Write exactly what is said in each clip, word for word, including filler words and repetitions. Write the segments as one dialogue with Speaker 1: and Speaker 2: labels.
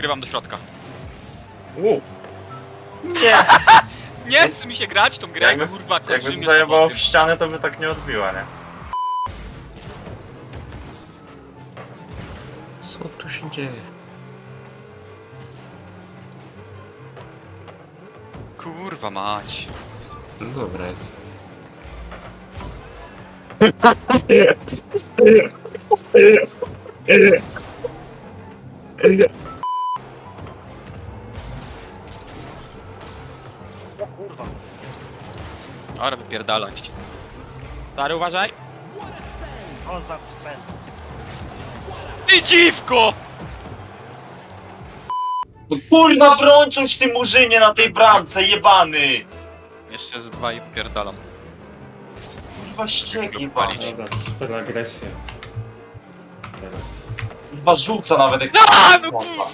Speaker 1: Wgrywam do środka.
Speaker 2: U.
Speaker 3: Nie!
Speaker 1: Nie chce mi się grać tą grę,
Speaker 3: Jakby,
Speaker 1: kurwa,
Speaker 3: jakby
Speaker 1: kończymy
Speaker 3: to
Speaker 1: to
Speaker 3: zajebało w
Speaker 1: powiem.
Speaker 3: ścianę, to by tak nie odbiła, nie?
Speaker 2: Co tu się dzieje?
Speaker 1: Kurwa mać.
Speaker 2: No dobra jest.
Speaker 3: O kurwa.
Speaker 1: Ale wypierdalać.
Speaker 4: Stary, uważaj.
Speaker 3: O za cmen.
Speaker 1: Ty dziwko!
Speaker 3: No kurwa, brączuś ty murzynie na tej bramce, jebany!
Speaker 1: Jeszcze z dwa i wypierdalam.
Speaker 3: Kurwa ścieki,
Speaker 1: Palić.
Speaker 3: panie.
Speaker 5: Dobra, super agresja. Teraz.
Speaker 3: Kurwa rzuca nawet jak...
Speaker 1: A, no
Speaker 3: kurwa.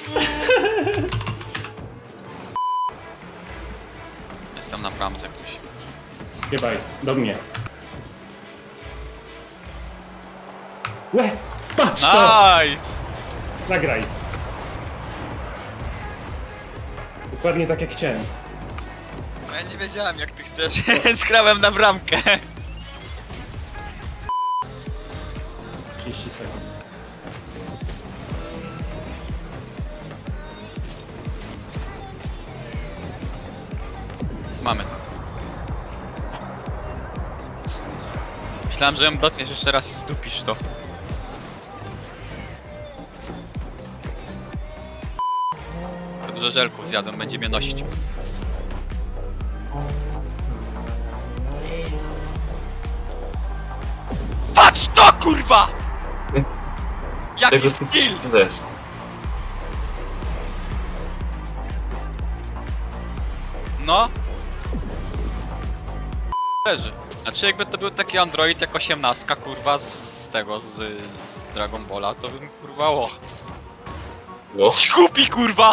Speaker 1: Jestem na bramce jak coś.
Speaker 5: Jebaj, do mnie. Łe! Patrz to!
Speaker 1: Nice!
Speaker 5: Nagraj. Dokładnie tak jak chciałem.
Speaker 1: No ja nie wiedziałem jak ty chcesz, więc grałem na bramkę.
Speaker 5: trzydzieści sekund.
Speaker 1: Mamy. Myślałem, że ją dotniesz jeszcze raz i zdupisz to. Za dużo żelków zjadłem, będzie mnie nosić. Patrz to, kurwa! Jaki skill! No. Leży. Znaczy jakby to był taki android jak osiemnastka, kurwa, z, z tego, z, z Dragon Balla, to bym kurwa och.
Speaker 3: O.
Speaker 1: Kupi, kurwa!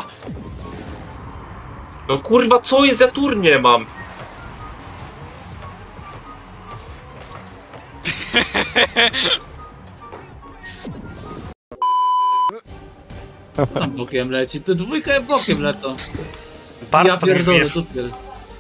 Speaker 3: No kurwa, co jest? Ja tur nie mam.
Speaker 6: Tam bokiem leci, to dwójka bokiem lecą.
Speaker 3: Bart
Speaker 6: Ja pierdolę, super.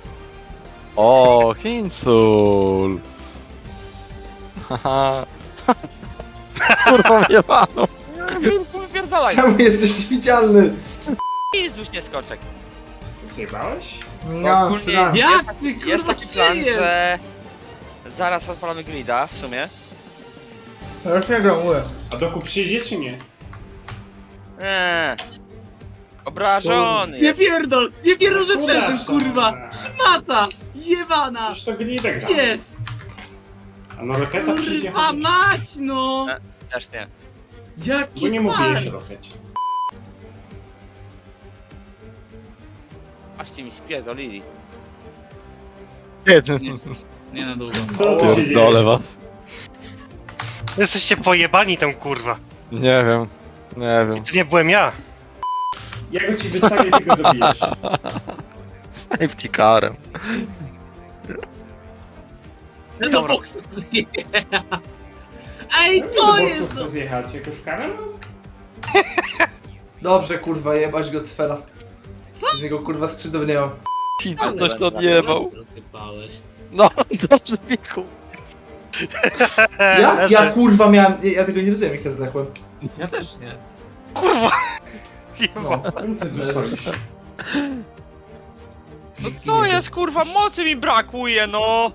Speaker 7: O, Hinsul! Haha. Kurwa mnie panu!
Speaker 4: Wypierdalaj.
Speaker 8: Czemu jesteś niewidzialny?
Speaker 4: Pizduś nie skoczek.
Speaker 5: Zjebałeś?
Speaker 8: No,
Speaker 4: Ogólnie
Speaker 8: plan.
Speaker 6: Jak ty kurwa
Speaker 4: Jest taki plan,
Speaker 6: przyjesz?
Speaker 4: że... Zaraz odpalamy grida, w sumie.
Speaker 8: Ja już nie gram, mówię.
Speaker 5: A doku przyjdzie czy nie?
Speaker 4: Eee. Obrażony
Speaker 6: Nie
Speaker 4: jest.
Speaker 6: pierdol! Nie pierdol, że
Speaker 5: Kurwa,
Speaker 6: przeżył, kurwa! Szmata! Jebana!
Speaker 5: Przecież to gnidek gra.
Speaker 6: Jest!
Speaker 5: A na roketa przyjdzie
Speaker 6: Kurwa
Speaker 5: chodzić.
Speaker 6: mać, no!
Speaker 4: Też nie.
Speaker 5: Bo
Speaker 6: Jaki
Speaker 5: nie
Speaker 6: fart!
Speaker 5: mówiłeś o rokecie.
Speaker 4: Ażcie mi spierdolili.
Speaker 6: Nie na długo.
Speaker 5: Co tu się dzieje?
Speaker 7: Pierdolę was.
Speaker 9: Jesteście pojebani tam, kurwa.
Speaker 7: Nie wiem. Nie wiem.
Speaker 9: To nie byłem ja.
Speaker 5: Ja go ci wystawię, ty go dobijesz.
Speaker 7: Safety carem.
Speaker 6: No
Speaker 9: Dobra.
Speaker 6: boksu zje- Ej,
Speaker 5: No,
Speaker 6: co
Speaker 5: do
Speaker 6: jest?
Speaker 5: boksów chcę zjechać. Jakąś karę mam?
Speaker 8: Dobrze, kurwa, jebać go cfera. Z niego kurwa skrzydeł nie mam.
Speaker 7: Pizza coś to odjebał.
Speaker 6: Rozsypałeś.
Speaker 7: No, dobrze Miku.
Speaker 8: Ja, ja kurwa miałem, ja, ja tego nie rozumiem jak ja zdechłem.
Speaker 6: Ja też nie.
Speaker 9: Kurwa.
Speaker 8: No.
Speaker 5: Czemu ty tu stoisz?
Speaker 4: No co jest, kurwa, mocy mi brakuje, no!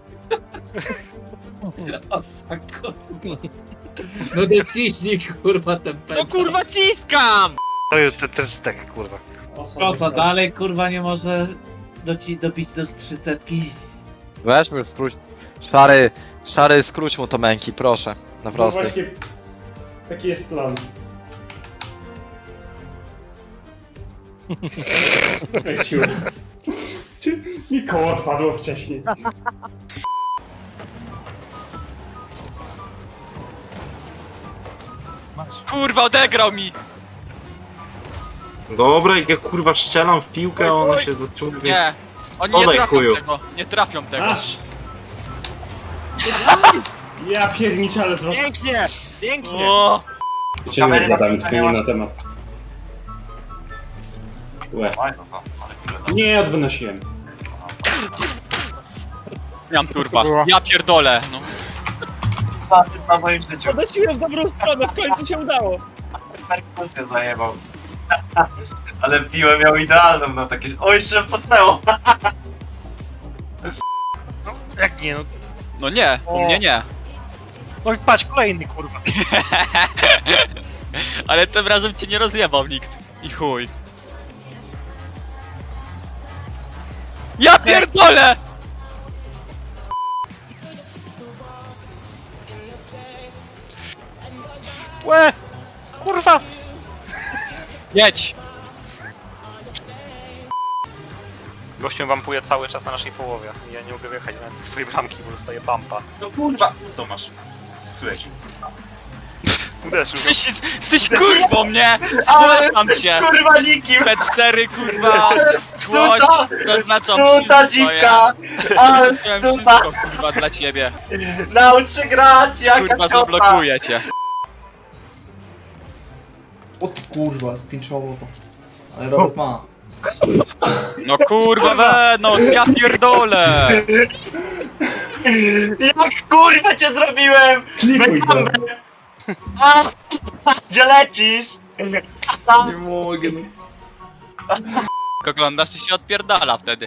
Speaker 6: O, sako. No dociśnij kurwa ten pęd.
Speaker 4: No kurwa ciskam!
Speaker 9: To jest ten, ten stek, kurwa.
Speaker 6: To co, dalej kurwa nie może doci dobić do trzysetki?
Speaker 7: Weźmy skróć. Szary, szary skróć mu to męki, proszę. Na
Speaker 5: No
Speaker 7: prostej.
Speaker 5: właśnie, taki jest plan. Leciu. Czy mi koło odpadło wcześniej?
Speaker 1: Kurwa, odegrał mi!
Speaker 3: Dobra, jak ja kurwa strzelam w piłkę, a ona się zaciągnie.
Speaker 1: Nie, oni nie
Speaker 3: Podaj,
Speaker 1: trafią
Speaker 3: chuju.
Speaker 1: tego, nie trafią tego.
Speaker 5: Aż! Ja pierniczę, ale z was...
Speaker 4: Pięknie! Pięknie!
Speaker 1: O,
Speaker 5: Cię nie gadam, tylko nie na temat. Łe.
Speaker 3: Fajno to, ale kurde.
Speaker 5: Nie, odwynosiłem.
Speaker 1: Miałem turba. Ja pierdolę, no.
Speaker 3: Facet na moim życiu.
Speaker 4: Podnosiłem w dobrą stronę, w końcu się udało.
Speaker 3: Perkusję zajebał. Ale piłę miał idealną na takie... Oj, się cofnęło!
Speaker 9: No, jak nie, no.
Speaker 1: No nie, u mnie nie.
Speaker 9: No i patrz, kolejny kurwa.
Speaker 1: Ale tym razem cię nie rozjebał nikt. I chuj. Ja pierdolę!
Speaker 9: Łe! Kurwa!
Speaker 1: Jedź!
Speaker 4: Gościem wampuje cały czas na naszej połowie. Ja nie mogę wyjechać nawet ze swojej bramki, bo dostaję bumpa.
Speaker 3: No kurwa! Co masz? Słysz?
Speaker 9: Uderzył.
Speaker 1: Jesteś, jesteś kurwą, nie?
Speaker 3: Ale
Speaker 1: Zgłaszam
Speaker 3: jesteś
Speaker 1: cię!
Speaker 3: kurwa nikim!
Speaker 1: P cztery kurwa! Złość!
Speaker 3: Psuta!
Speaker 1: Zaznaczam
Speaker 3: Psuta
Speaker 1: wszystko,
Speaker 3: dziwka!
Speaker 1: ja.
Speaker 3: Ale
Speaker 1: Zrobiłem
Speaker 3: psuta!
Speaker 1: wszystko kurwa dla ciebie.
Speaker 3: Naucz się grać! Jaka
Speaker 1: Kurwa
Speaker 3: ciota!
Speaker 1: zablokuję cię.
Speaker 8: O ty kurwa, spinczowo to. Ale Robert ma.
Speaker 1: No kurwa Wenos, ja pierdolę!
Speaker 3: Jak kurwa cię zrobiłem!
Speaker 5: Klikuj go.
Speaker 3: A, gdzie lecisz?
Speaker 8: Nie mogę, no.
Speaker 1: Jak oglądasz, to się odpierdala wtedy.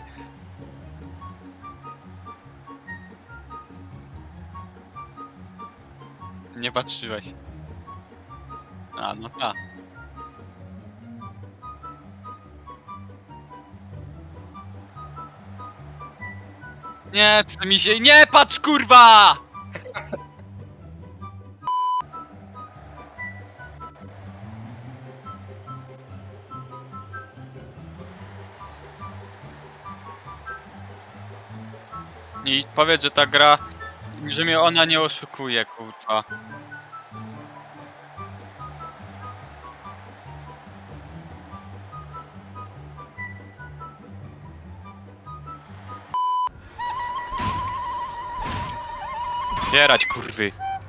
Speaker 1: Nie patrzyłeś. A, no tak. Nie, co mi się... Nie patrz, kurwa! I powiedz, że ta gra... że mnie ona nie oszukuje, kurwa. Otwierać, kurwy.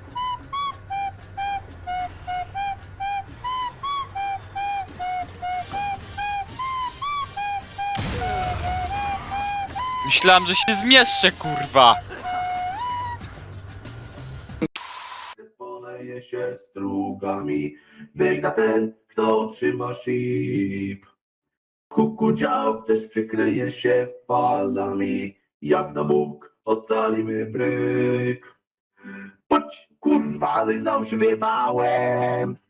Speaker 1: Myślałem, że się zmieszczę, kurwa.
Speaker 10: Poleje się strugami, wygra ten, kto otrzyma ship. Kukudział też przykryje się falami, jak na Bóg ocalimy bryk. Chodź, kurwa, ale znowu się wyjebałem.